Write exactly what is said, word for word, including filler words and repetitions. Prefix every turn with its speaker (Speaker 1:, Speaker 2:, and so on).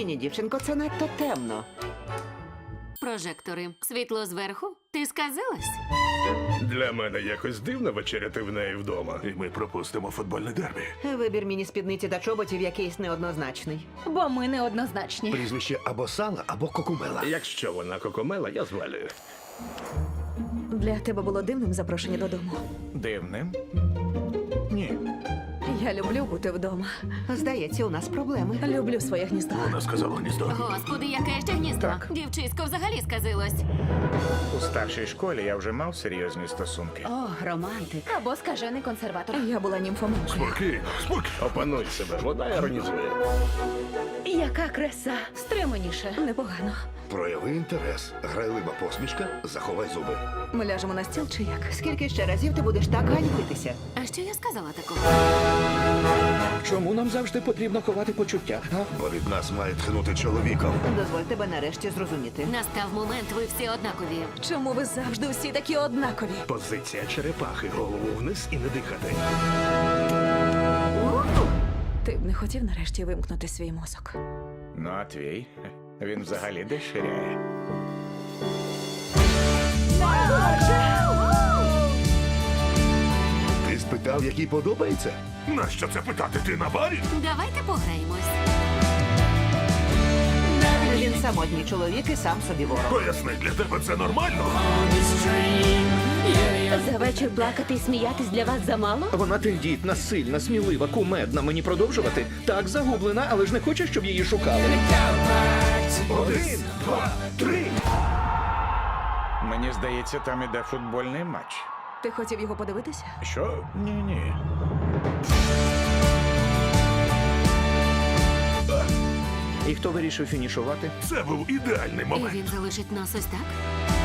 Speaker 1: Ні, ні, дівчинко, це надто темно.
Speaker 2: Прожектори. Світло зверху? Ти сказилась?
Speaker 3: Для мене якось дивно вечеряти в неї вдома. І ми пропустимо футбольне дербі.
Speaker 1: Вибір міні-спідниці та чоботів якийсь неоднозначний.
Speaker 4: Бо ми неоднозначні.
Speaker 5: Прізвище або Сала, або Кокумела.
Speaker 3: Якщо вона кокомела, я звалюю.
Speaker 4: Для тебе було дивним запрошення додому.
Speaker 5: Дивним? Ні.
Speaker 4: Я люблю бути вдома.
Speaker 1: Здається, у нас проблеми.
Speaker 4: Люблю своє гніздо.
Speaker 3: Вона сказала гніздо.
Speaker 2: Господи, яке ще гніздо.
Speaker 6: Так.
Speaker 2: Дівчисько взагалі сказилось.
Speaker 6: У старшій школі я вже мав серйозні стосунки.
Speaker 2: О, романтик.
Speaker 4: Або скажений консерватор. Я була німфоманкою.
Speaker 3: Спокійно, спокійно. Опануй себе, вона іронізує.
Speaker 4: Яка краса. Стриманіше. Непогано.
Speaker 5: Прояви інтерес. Грайлива посмішка, заховай зуби.
Speaker 4: Ми ляжемо на стіл чи як?
Speaker 1: Скільки ще разів ти будеш так ганьбитися?
Speaker 2: А що я сказала такого?
Speaker 7: Чому нам завжди потрібно ховати почуття? А?
Speaker 5: Бо від нас має тхнути чоловіком.
Speaker 1: Дозволь тебе нарешті зрозуміти.
Speaker 2: Настав момент, ви всі однакові.
Speaker 4: Чому ви завжди всі такі однакові?
Speaker 3: Позиція черепахи. Голову вниз і не дихати.
Speaker 4: Ти б не хотів нарешті вимкнути свій мозок.
Speaker 6: Ну, а твій? Він взагалі деширяє.
Speaker 5: Ти спитав, який подобається?
Speaker 3: Нащо це питати? Ти на барі?
Speaker 2: Давайте пограємось.
Speaker 1: Він самотній чоловік і сам собі ворог.
Speaker 3: Поясни, для тебе це нормально?
Speaker 2: За вечір плакати і сміятись для вас замало?
Speaker 7: Вона тендітна, сильна, смілива, кумедна. Мені продовжувати? Так, загублена, але ж не хоче, щоб її шукали.
Speaker 3: Один, два, три.
Speaker 6: Мені здається, там іде футбольний матч.
Speaker 4: Ти хотів його подивитися?
Speaker 3: Що?
Speaker 6: Ні-ні.
Speaker 7: І хто вирішив фінішувати?
Speaker 3: Це був ідеальний
Speaker 2: І
Speaker 3: момент.
Speaker 2: він залишить нас ось так?